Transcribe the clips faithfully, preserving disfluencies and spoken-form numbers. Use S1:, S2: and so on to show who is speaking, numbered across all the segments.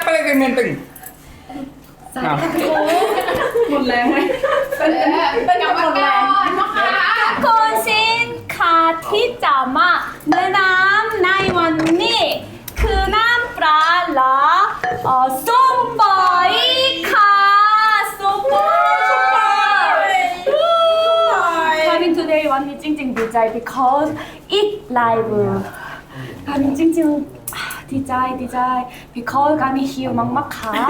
S1: อะไรกันเมนตึงอ้าว
S2: หมดแรงไหมเป็นเป็นกับหมดแรง
S3: คุณสินค้าที่จะมาแนะนำในวันนี้คือน้ำปลาและเอ่อส้มปล่อยค่ะส้มปล่อยคามิน today วันนี้จริงๆดีใจ because อีกไลฟ์คามินจริงๆอ่าดีใจดีใจ because คามินหิวมากๆค่ะ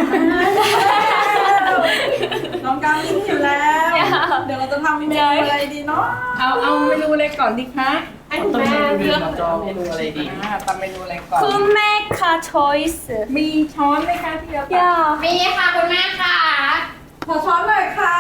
S2: น้องกามินหิวแล้ว เดี๋ยวเราจะทำเมนูอะไรดีเนาะ
S1: เอาเอาเมนูอะไรก่อนดีคะ
S2: ให้คุณแม่เลือก
S1: เมนูอะไรดีอ่าทำเมนูอะไรก่อน
S3: คุณแม่ค่ะ choice
S1: มีช้อนไหมคะที่เราตัก
S3: yeah
S4: มีค่ะคุณแม่ค่ะ
S2: ขอช้อนหน่อยค่ะ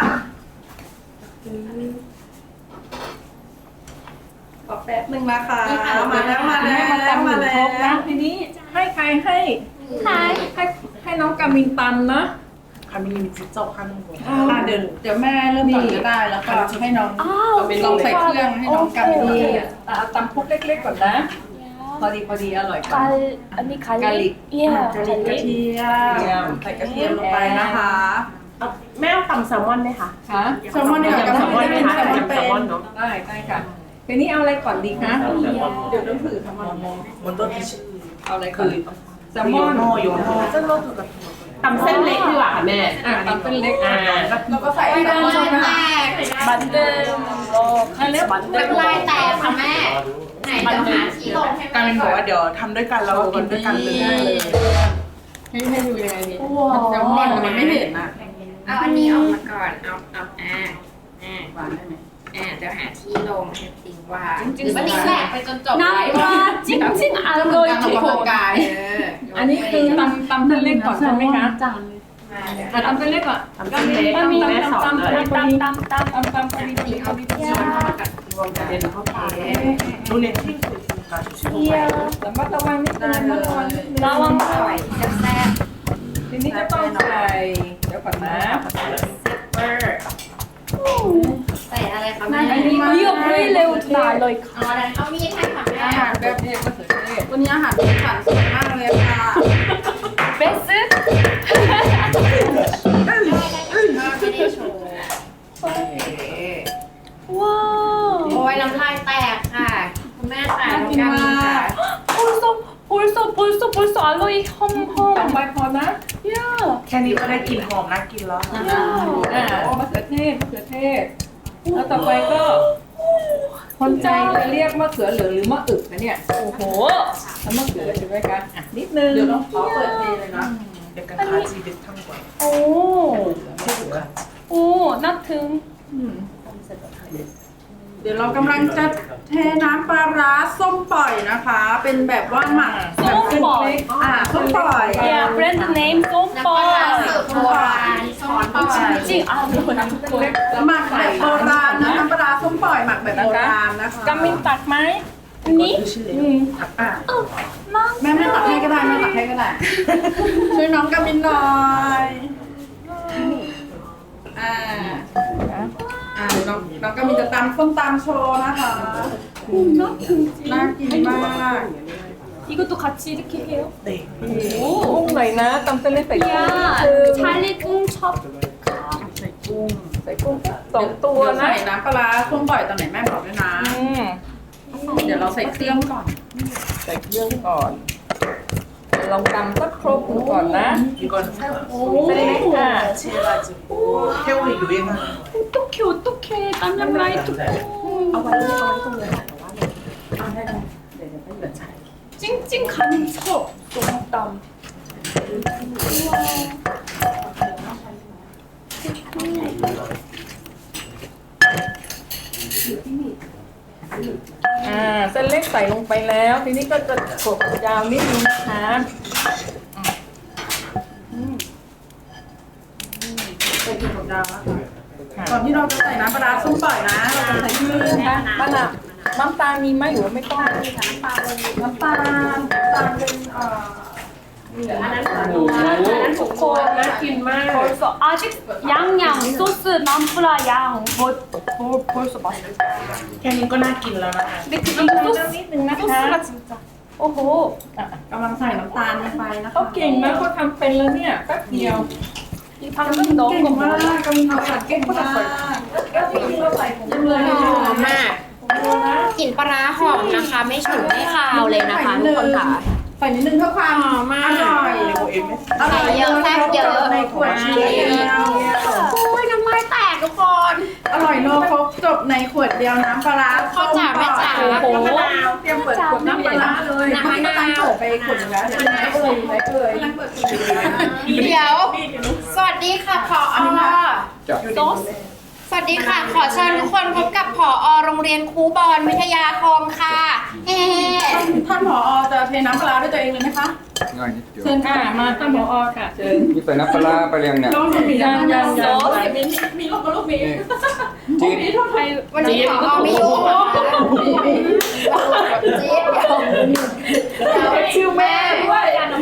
S2: ขอแป๊บหนึ่งนะคะมาแล้วมาแล้ว
S1: ให้มาตำห
S2: มา
S1: นึ่ง
S2: แล้
S1: ครกนะ
S2: ว
S1: ทีนี้ให้ใครให้
S3: Hi
S1: ให้ให้น้องกามินตำนะ
S5: 가민님이 직접 하는 거.
S2: อ่ะเดี๋ยวเดี๋ยวแม่เริ่มก่อนก็ได้แล้วก็ให้น้อง
S3: อ้าว
S2: ลองใส่เครื่องให้น้องกามิน
S1: นี่
S2: เนี่ย
S1: เอาตำพวกเล็กๆก่อนนะ พอดีพอดีอร่อยก่อน
S3: 갈อันนี้
S1: กาลิ
S3: 갈릭
S1: ก
S3: yeah
S2: กระเทียมกระเทียมใส่กระเทียมลงไปนะคะ
S5: แม่เอาตำแซลมอนไหมคะ
S1: ค่ะ
S2: แซลมอนดีกว่า
S5: แซลมอนไหมคะ
S2: แซลมอน
S5: ยำแซ
S2: เป็
S5: ลมอน
S2: น
S5: เนาะ
S1: ได้ได้ค่ะทีนี้เอาอะไรก่อนดีคะ
S2: เดี๋ยวต้องถือทำมัน
S5: 먼저 드시.
S1: เอาอะไรก่อนแซลมอน
S5: 요거 요거 샐러드 같은 거. ตำเส้นเล็กดีกว่าค่ะแม่
S1: อ่ะตำเป็นเล็ก
S5: อ่า
S2: แล้วก็ใส่แซลมอน
S4: น้ำ
S2: นะ
S4: แต
S2: คะ
S4: ก
S3: 만든 거
S1: อันเล็ก
S4: น้ำลายแตกค่ะแม่ ไหนเดี๋ยวหาที่ลงให้
S5: กา
S4: แม่
S5: มินบอกว่าเดี๋ยวทำด้วยกันแล้วก็กินด้วยกันเลย
S1: ให้ให้ดูยังไงดี
S2: แซลมอนมันไม่เห็นอ่ะ
S4: เอาอันนี้ออกมาก่อน เอาเอาอ่าอ่า
S2: หวานได้ไหม
S4: อ่าเดี๋ยวหาที่ลงให้ติงว่าหรือว่าติงแหลกไปจนจบ
S3: น้ำปลาจริงๆอร่อย
S2: การอ
S3: ทุ
S2: อก ก
S3: ค
S2: กำลั
S3: น
S2: งกาย
S4: เออ
S1: อันนี้คือตำตำเส้นเล็กก่อนใช่ไหมคะ
S3: จาน
S4: มาเดี๋ยว
S1: อ่ะตำเส้นเล็กก่อน
S5: ทำเส้นเล็ก
S1: ตำ
S5: แม่สอน
S1: ตำ
S5: เลย
S1: ตำพอดี
S3: ตำตำตำ
S1: ตำตำพอดีพอดีพอดีพอดี
S5: รวมกันเดี๋ยวเข้าไป눈에 튀고 있으니까 조심히.
S3: เยี่ย
S1: ระมัดระวังนิดนึงระมัดระวังนิดนึง
S3: ระวัง
S4: อร่อยแซ่บ
S1: ทีนี้ก็ต้องใส่เดี๋ยวก่อนนะ
S4: ๆเบอร์ใส่อะไรคะแม่
S3: อันนี้เรียบเรียเร็วทุกอย่างเลย
S4: เอาอะไรเอามีดให้ค่ะแม่
S1: อาหารแบบนี้มะเขือเทศ
S2: วันนี้อาหารสีสันสวยมากเลยค่ะ
S3: เบส
S4: ไม่ได้โชว์
S3: ว้าว
S4: โอ้ยน้ำลายแตกค่ะ คุณแม่ค่ะน้องกามินค่ะ
S3: 벌써 벌써 벌써 벌써 알로이
S1: สอง
S3: 험험
S1: ใบพอนะ
S3: 야
S5: แค่นี้ก็ได้กลิ่นหอมน่ากินแล้ว
S1: อ่ามะเขือเทศมะเขือเทศ แล้วต่อไปก็ คนใจจะเรียกมะเขือเหลืองหรือมะอึกนะเนี่ย
S3: 오호
S1: แล้วมะเขือใช่ไหมคะอ่ะนิดนึง
S2: เดี๋ยวต้องขอเปิดเทเลยนะ
S5: 약간 가지 비슷한 거예요.
S3: 오
S5: 태국 가지.
S3: 오 나튼
S2: เดี๋ยวเรากำลังจะเทน้ำปลาร้าส้มปล่อยนะคะ เป็นแบบว่าหมักแบบเส้นเล็กอ่าส้มปล่อย
S3: 야 브랜드 네임
S4: น้ำปลาร้าสูตร
S3: 솜빠
S4: โบราณสอนโบราณ
S3: 찡찡 아 이거 남고
S2: แล้วหมักแบบโบราณนะน้ำปลาร้าส้มปล่อยหมักแบบโบราณนะคะ
S1: กามินตักไหม
S3: 니
S5: 드실래요? 아,
S2: แม่แม่ตักให้ก็ได้แม่ตักให้ก็ได้ ช่วยน้องกามินหน่อยอ่าอ่าเดี๋ยวน้องน้องกามินจะตำส้มตำโชว์นะคะน่ากินมาก
S3: 이것도 같이 이렇게 해요?
S5: 네.
S1: กุ้งหน่อยนะตำเส้นเล็กใส่กุ้ง
S3: 야
S1: คือ
S3: 찰리궁 첩
S1: ใส่กุ้งใส่กุ้งสองตัว
S2: เดี๋ยว
S1: นะ
S2: ใส่น้ำปลาร้าส้มปล่อยตอนไหนแม่บอกด้วยนะ
S1: อืม
S2: เดี๋ยวเราใส่เครื่องก่อน
S1: ใส่เครื่องก่อน ลองตำสักครบหนึ่งก่อนนะ
S5: 이건 새우
S1: 셀렉.
S5: 같이 해가지고 태국의 유행하는 거예요.
S3: 어떡해 어떡해 땀남 라이 뚜껑
S5: เอาไว้เอาไว้ตรงนี้ค่ะแต่ว่าเนี่ยเอาได้ได้เดี๋ยวเดี๋ยวไปเหลือใช้
S3: 찡찡 가는 척 너무 땀
S1: อ่าเส้นเล็กใส่ลงไปแล้ว ทีนี้ก็จะกดยาวนิดนึงนะคะ
S2: ใส่กลิ่นของดาวนะคะก่อนที่เราจะใส่น้ำปลาร้าส้มปล่อยนะ เราจะใส่เครื่อง
S1: นะคะมะนาวน้ำตาลมีไหมหรือว่าไม่ต้อง
S2: น้ำตาลน้ำตาลเป็นเอ่อ
S4: อันนั้นขอ
S1: โอ้
S4: ดู
S1: โห
S4: นะ
S3: ทุกคน
S1: น่ากินมาก
S3: 벌써 아직 양양 소스 남프라 양 벌, 벌, 벌써 맛있어
S5: แค่นี้ก็น่ากินแล้วนะคะ
S3: 근데 그
S1: น้ำตาล
S3: 소스
S1: นิดนึงนะคะ
S3: 소스가 진짜 โอ้โห
S2: กำลังใส่น้ำตาลลงไปนะคะ
S1: เขาเก่งนะเขาทำเป็นแล้วเนี่ยแป๊บเดียว
S3: 이 방금 넣은
S2: เก่ง
S3: 거
S2: มาก
S3: 뭐야?
S2: กำลังทำผัดเก่งมาก
S1: แล้วจริงๆเราใส่ผง
S2: ยังเลย
S4: หอมมากกลิ่นปลาร้าหอมนะคะ ไม่ฉุนไม่คาวเลยนะคะทุกคนค่ะ
S2: ใส่นิดนึงเพื่อความ
S4: หอมมาก
S2: อร่อยอร่อย
S4: ใส่เยอะแซ่บเยอะ
S2: ในขวดเดียว
S4: โอ้ยน้ำลายแตกทุกคน
S2: อร่อยนัวครบจบในขวดเดียวน้ำปลาร้า
S4: พ่อจ๋าแม่จ๋า
S2: โอ้โหเตรียมเปิดขวดน้ำปลาร้าเลย
S4: น้ำมะนาว
S2: เปิดไปขวดหนึงแล้วเดี๋ยวไหนเอ่ยไหนเอ่ย
S4: เดี๋ยว สวัสดีค่ะผอ
S3: 소스?
S4: สวัสดีค่ะ ขอเชิญทุกคนพบกับผอโรงเรียนครูบอลวิทยาคมค่ะเฮ้
S2: ท่านผอจะเทน้ำปลาร้าด้วยตัวเองเลยไหมคะ
S6: ง่ายนิดเดียว
S1: เชิญค่ะมาท่านผอค่ะเชิญ
S6: นี่ใส่น้ำปลาร้าไปเรียงเนี่ย
S2: น้องหนูมี
S1: ยังยังยัง
S3: 소스?
S2: มีมีลูกกับลูกมี
S6: นี่
S2: ลู
S6: จี๊
S2: ก
S6: ด
S2: มีทั่วไทย
S4: วันนี้ผอไม่ยุ่งนะคะจี๊ดเดี๋ยวเดี๋ยว
S2: ชิวแม่ด้วย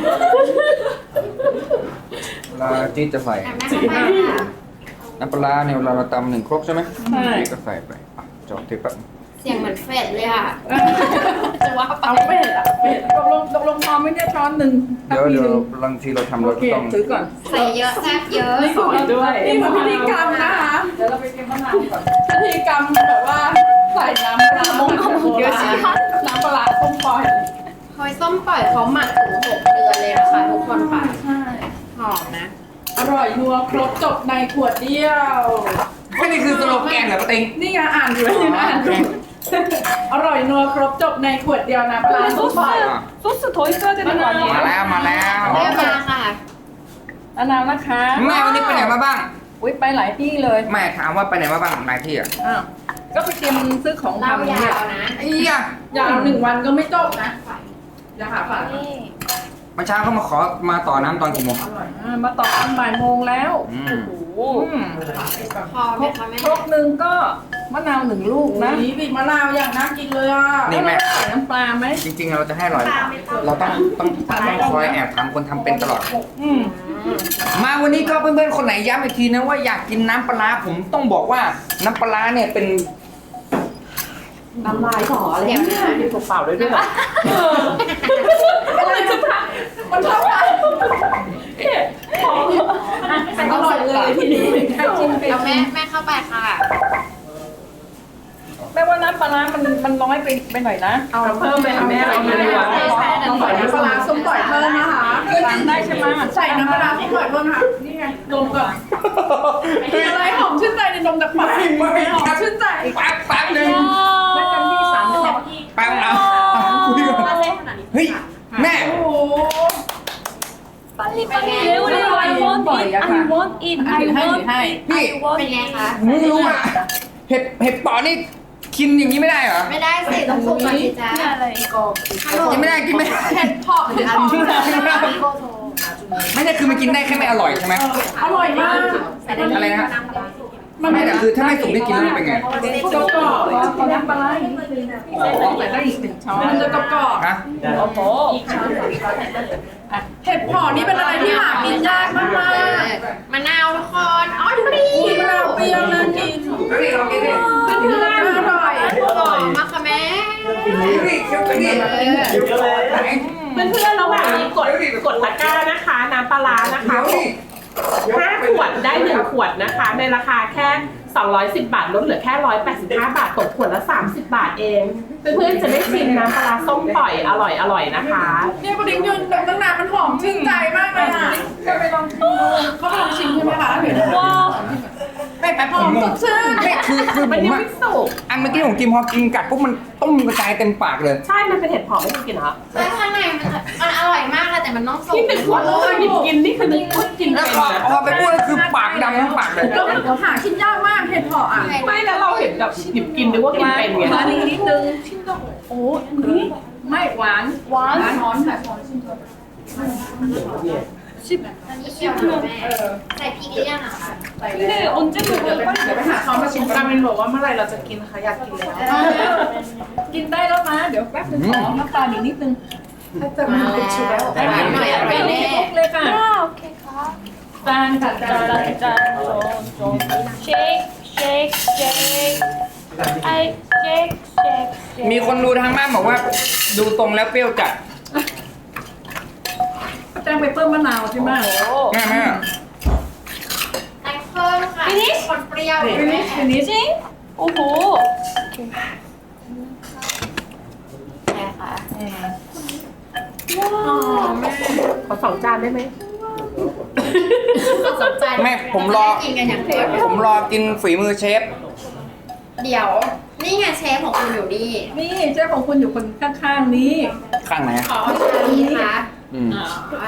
S6: เวลาจี๊ดจะใส่
S4: แม่เข้าไปค่ะ
S6: น้ำปลาร้าเนี่ยเวลาเราตำหนึ่งครกใช่ไหม
S1: ใช่
S6: นี่ก็ใส่ไปอ่ะจอดที่แป๊บ
S4: เสียงเหมือนเฟดเลยค่ะจะว่าไป
S2: เอาเป็ดอ่ะเป็ดตกลงตกลงพอไหม่ได้ช้อนหนึ่ง
S6: เดี๋ยวเดี๋ยวบางทีเราทำ
S2: โอ
S6: เรา
S2: เค
S6: ก็ต้อง
S2: ถือก่อน
S4: ใส่เยอะแซ่บเยอะ
S1: สอนด้วย
S2: นี่คือพิธีกรรมนะคะ
S1: เดี๋ยวเราไปเตรียมมะนาวก่อน
S2: พิธีกรรมแบบว่าใส่น้ำปลาร้าเยอะสิน้ำปลาร้าส้มปล่อย
S4: หอยส้มปล่อยเขาหมักถึงหกเดือนเลยนะคะทุกคนค่ะ
S2: ใช่
S4: หอมนะ
S2: อร่อยนัวครบจบในขวดเดียว
S6: ไม่นี่คือสโลแกนเหรอป้าติง
S2: นี่ไงอ่านอยู่นี่อ่านอยู่อร่อยนัวครบจบในขวดเดียวนะปลาส้มปล่อย
S3: 소스 더 있어야 되는 거
S6: มา
S3: 아니에요?
S6: แล้วมาแล้ว
S4: ได้มาค่ะ
S1: มะนาวนะคะ
S6: แม่วันนี้ไปไหนมาบ้าง
S1: อุ้ยไปหลายที่เลย
S6: แม่ถามว่าไปไหนมาบ้างนายที่อ่ะ
S1: อ้าวก็ไปเตรียมซื้อของ
S4: เล่า
S1: ทำเนี่ย
S4: ยาวนะ
S6: ไอ้ยะ
S2: ยาวหนึ่งวันก็ไม่จบนะอย่าหาฝา
S6: เมื่อเช้าเขามาขอมาต่อน้ำตอนกี่โมง
S1: อ่ามาต่อตอนบ่ายโมงแล้ว
S6: อืม
S1: โอ้โห
S2: อืม
S4: พอไหมคะแม่
S1: ครกหนึ่งก็มะนาวหนึ่งลูกนะ
S2: นี่บีบมะนาวอย่างน่ากินเลยอ่ะ
S6: นี่แม่
S1: ใส่น้ำปลาไหม
S6: จริงๆ เราจะให้อร่อย เราต้องต้องต้องคอยแอบถามคนทำเป็นตลอด
S1: อืม
S6: มาวันนี้ก็เพื่อนๆ คนไหนย้ำอีกทีนะว่าอยากกินน้ำปลาร้าผมต้องบอกว่าน้ำปลาร้าเนี่ยเป็น
S5: น้ำลายขออะไร
S4: เดี๋ยวนะ
S5: มีเปล่าๆด้วยด้วยเหรอ
S2: อะไรจะพักมันเท่าไหร่อร่อยเลยทีนี้ให้ชิมไป
S4: เอาแม่แม่เข้าไปค่ะ
S1: แม่ว่าน้ำปลาร้ามันมันน้อยไปไปหน่อยนะ
S2: เอาเพิ่มไปค่ะแม่เอามาดีกว่าเราใส่น้ำปลาร้าส้มปล่อยเพิ่มนะคะ
S1: ทำได้ใช่ไหม
S2: ใส่น้ำปลาร้าส้มปล่อยเพิ่มค่ะนี่ไงนมก่อนอะไรหอมชื่นใจในนมจากปากหอมชื่นใจ
S6: แป๊บแป๊บหนึง
S1: ไม่จำที่สามจะบอก
S6: แป๊บเอาคุยก่อนเฮ้ยแม่
S2: โอ้โห
S3: 빨리 빨리 레오리 I want it I want it
S2: ถื
S3: I
S2: อให้ถือ
S3: want
S2: ให้
S6: พี่
S4: เป็นไงคะ
S6: ผมไม่รู้อ่ะเห็ดเห็ดเปอนี่กินอย่างนี้ไม่ได้เหรอ
S4: ไม่ได้สิต้องสุกก่อนสิจ๊ะ
S3: อะไร
S6: กินไม่ได้กินไม่ได้
S2: เผ็ดเพาะหรืออะไร
S6: ไม่ได้คือมันกินได้แค่ไม่อร่อยใช่ไหม
S2: อร่อยมาก
S6: อะไรนะไม่แต่คือถ้าไม่สุกได้กินแล้วมันเป็นไง
S2: กรอบกรอบ
S1: ขอน้ำปลาร้าอีกนิดนึงนะพี่ใส่ได้อีกหนึ่งช้อน
S2: มันจะกรอบกรอบ
S6: ฮะ
S1: โอ้โห
S2: เห็ดเพาะนี่เป็นอะไรที่หากินยากมากมาก
S4: มะนาวทุกคนอ๋อเปรี้
S2: มะ
S4: ย
S2: นาว
S4: ว
S2: เปรี้ยวน่ากิน
S6: นี่ลองกินดิ
S2: เพื่อนๆอร่อย
S4: หอมมากค่ะแม่
S6: นี่เคี้ยวไปดิ
S5: เพื่อนๆระหว่างนี้กดกดตะกร้านะคะ น้ำปลาร้านะคะ
S6: เดี๋ยวดิ
S5: ห้าขวดได้หนึ่งขวดนะคะ ในราคาแค่สองร้อยสิบบาทลดเหลือแค่หนึ่งร้อยแปดสิบห้าบาทตกขวดละสามสิบบาทเอง เพื่อนๆจะได้ชิมน้ำปลาร้าส้มปล่อยอร่อยอร่อยนะคะ
S2: เนี่ยปลาดิ้งยืนตั้งนานมันหอมชื่นใจมากเลยอ่ะ
S1: จะไปลองชิมดู
S2: เขาลองชิมใช่ไหมคะเห็นไหม
S3: 와
S6: ไม่แป๊บ
S2: ห
S6: ผ
S2: อ
S6: ม
S2: ม
S6: ง
S2: ส
S6: ง
S2: ดชื่น
S6: ไม่คือคือผ
S5: มัน
S6: ม
S5: ยัง
S6: อะ
S5: ไม่สุก
S6: อันเมื่อกี้ผมกินพอกินกัดปุ๊บมันต้มกระจายเต็มปากเลย
S5: ใช่ มันเป็นเห็ดเผาะไม่ต้องกินเหรอ
S4: แล้วข้างในมันจะมันอร่อยมากเลยแต่มันต้องสุก
S5: ที่นึกว่าเราหยิบกินนี่คือนึกว่ากิน
S6: แล้ว
S5: เป็น
S6: พอ
S5: นะ
S6: พอไปพูดแล้วคือปากดำทั้งปากเลย
S2: แล้วหากินยากมากเห็ดเพาะอ่ะ
S5: ไม่แล้วเราเห็นแบบหยิบกินนึกว่ากินเป็นไง
S1: หวานอีกนิดนึงโอ้นี่ไม่หวาน
S3: 와
S2: ช้อนค่ะช้อนชิมก่อน
S4: อันนี้เคี่ยวนะแม่ใส่พริกหรือยังอะคะ
S2: ใส่เลย
S3: 근데 언제
S2: เดี๋ยว
S3: 먹어요?
S2: ไปเดี๋ยวไปหาช้อนมาชิมกัน
S5: กามินบอกว่าเมื่อไหร่เราจะกินคะอยากกินแล้ว
S1: กินได้แล้วนะเดี๋ยวแป๊บนึงขอน้ำตาลอีกนิดนึง
S2: จะมีกุชิแล้ว
S4: ได้หน่อยอร่อยแน่
S1: เลยค่ะ
S3: 아 오케이 가
S1: จานค่ะจาน
S3: 짠짠짠 shake shake shake I shake shake shake
S6: มีคนดูทางบ้านบอกว่าดูตรงแล้วเปรี้ยวจัด
S1: เปเปอร์มะนาวใช่ไหม
S6: แม่แม่
S4: แต่งเพิ่มค่ะ
S3: Finish?
S4: คนเปรี้ยว
S1: ฟินิชฟินิช
S3: จริงโอ้โห
S4: ใช่ค่ะ
S3: ว้าว
S5: ขอสองจานได้ไหม
S4: ก็สนใจ
S6: แม่ผมรอ
S4: กินกันอย่างเดียว
S6: ผมรอกินฝีมือเชฟ
S4: เดี๋ยว นี่ไงเชฟของคุณอยู่นี่
S1: นี่เจ้าของคุณอยู่คนข้างๆนี้
S6: ข้างไหนอะ
S4: ขอชาลีค่ะ
S6: อืม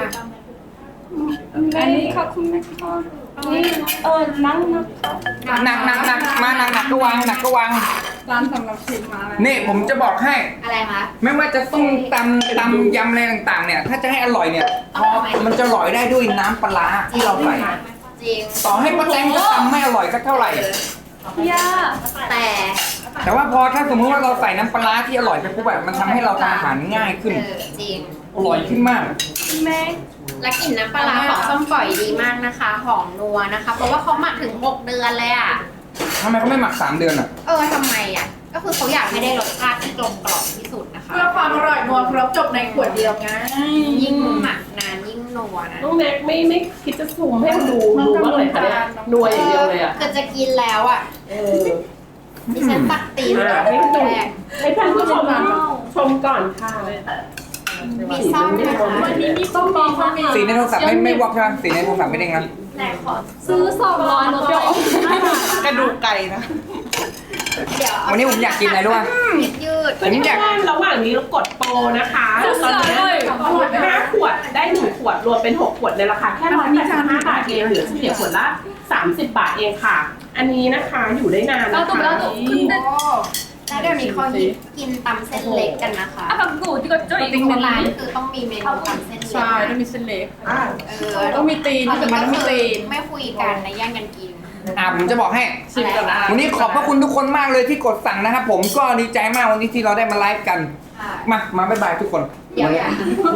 S1: อันนี้
S3: ขอบคุณนะคะนี่เออนั่งนะคะ
S6: หนักหนักหนักมาหนักหนักก็วางหนักก็วาง
S2: จานสำหรับชิมมาแล้ว
S6: นี่ผมจะบอกให้
S4: อะไรคะ
S6: ไม่ว่าจะส้มตำตำยำอะไรต่างๆ เนี่ย ถ้าจะให้อร่อยเนี่ยพอมันจะอร่อยได้ด้วยน้ำปลาร้าที่เราใส่
S4: จริง
S6: ต่อให้ป้าแตงจะตำไม่อร่อยสักเท่าไหร่
S3: ย่า
S4: แต่
S6: แต่ว่าพอถ้าสมมติว่าเราใส่น้ำปลาร้าที่อร่อยไปปุ๊บแบบมันทำให้เราทำอาหารง่ายขึ้น
S4: เออจริง
S6: อร่อยขึ้นมาก
S3: แม่
S4: และกลิ่นน้ำปลาร้าของส้มปล่อยดีมากนะคะ หอมนัวนะคะ เพราะว่าเขาหมักถึงหกเดือนเลยอ่ะ
S6: ทำไมเขาไม่หมักสามเดือนอ่ะ
S4: เออทำไมอ่ะ ก็คือเขาอยากให้ได้รสชาติที่กลมกล่อมที่สุดนะคะ
S2: เพื่อความอร่อยนัวครบจบในขวดเดียวไง
S4: ยิ่งหมักนานยิ่งนัวนะ
S5: น้องแม็กไม่ไม่คิดจะซูมให้มันดูดูบ้างเลยค่ะเนี่ยนวยอย่างเดียวเลยอ่ะ
S4: คือจะกินแล้วอ่ะ
S5: เออ
S4: ดิฉันตักตีน
S5: อ่ะให้ดู
S4: แรก
S5: ให้ท่านผู้ชมชมก่อนค่ะ
S4: มีซ่อมนะคะ
S3: วันนี้มีส้มมีค่ะ
S6: สีในโทรศัพท์ไม่ไม่วอกใช่ไหมสีในโทรศัพท์ไม่เด้งนะ
S4: แต่ขอ
S3: ซื้อสองร้อยหนูจะเอา
S2: กระดูกไก่นะ
S4: เดี๋ยว
S6: วันนี้ผมอยากกินอะไรรู้ป่ะ
S4: ยืดยืด
S6: ผมอยาก
S5: ระหว่างนี้เรากดโปรนะคะตอนนี้ห้าขวดได้หนึ่งขวดรวมเป็นหกขวดในราคาแค่ร้อยแปดสิบห้าบาทเองเหลือเฉลี่ยขวดละสามสิบบาทเองค่ะ อันนี้นะคะอยู่ได้นาน
S3: เรา
S5: นะ
S3: ถูก
S5: คะ
S3: แล้วถูกคุณเด็ด
S4: แล้วเดี๋ยวนี้เขาฮิตกินตำเส้นเล็กกันนะคะ
S3: อ่ะแบบกูที่ก็จะอีก
S4: โบ
S3: คน
S4: ราณ
S3: ละ
S4: คือต้องมีเมนูตำเส้นเล็ก
S2: ใช่ต้องมีเส้นเล็ก
S4: เออ
S2: ต้องมีตีนแต่มันต้องมีตีน
S4: ไม่คุยกันนะแย่งกันกิน
S6: อ่ะผมจะบอกให้
S2: ชิมก่อนนะ
S6: วันนี้ขอบพระคุณทุกคนมากเลยที่กดสั่งนะครับผมก็ดีใจมากวันนี้ที่เราได้มาไลฟ์กัน
S4: ค่ะ
S6: มา มาบ๊ายบายทุกคน
S4: เดี๋ยวอย่า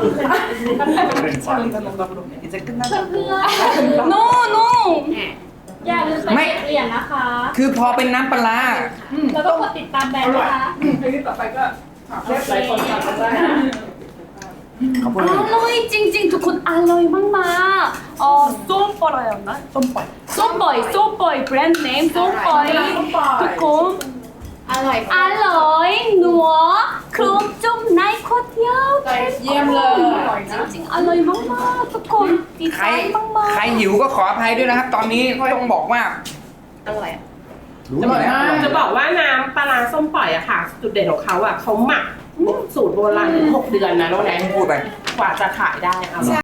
S3: โน่โน่
S4: แหม
S3: อย่าลืมไปเก็บเหรียญนะคะ
S6: คือพอเป็นน้ำปลาร้า
S3: แล้วก็กดติดตามแบรนด์นะคะ
S1: ทีนี้ต่อไปก็เรียกหลายคนสั่งกันได้
S6: ขอบคุณ
S3: อร่อยจริงๆทุกคนอร่อยมากๆอ๋อส้มปล่อยนะส้มปล่อยส้มปล่อยส้มปล่อยแบรนด์เนมส้มปล่อยทุกคน
S4: อร่อย
S3: อร่อยนัวคลุมจุ่มในขวดเดียว
S2: เยี่ยมเลย
S3: จริงๆอร่อยมากๆทุกคนดี
S6: ใค
S3: ใจ
S6: ร
S3: มาก
S6: ใครหิวก็ขออภัยด้วยนะครับ ตอนนี้ต้องบอกว่า
S4: อร่อย
S6: รู้อยู่แล้ว
S5: จะบอกว่าน้ำปลาร้าส้มปล่อยอะค่ะ จุดเด่นของเขาอะเขาหมักสูตรโบราณถึงหกเดือนนะน้องแนน
S6: พูดไป
S5: กว่าจะขายได้เอา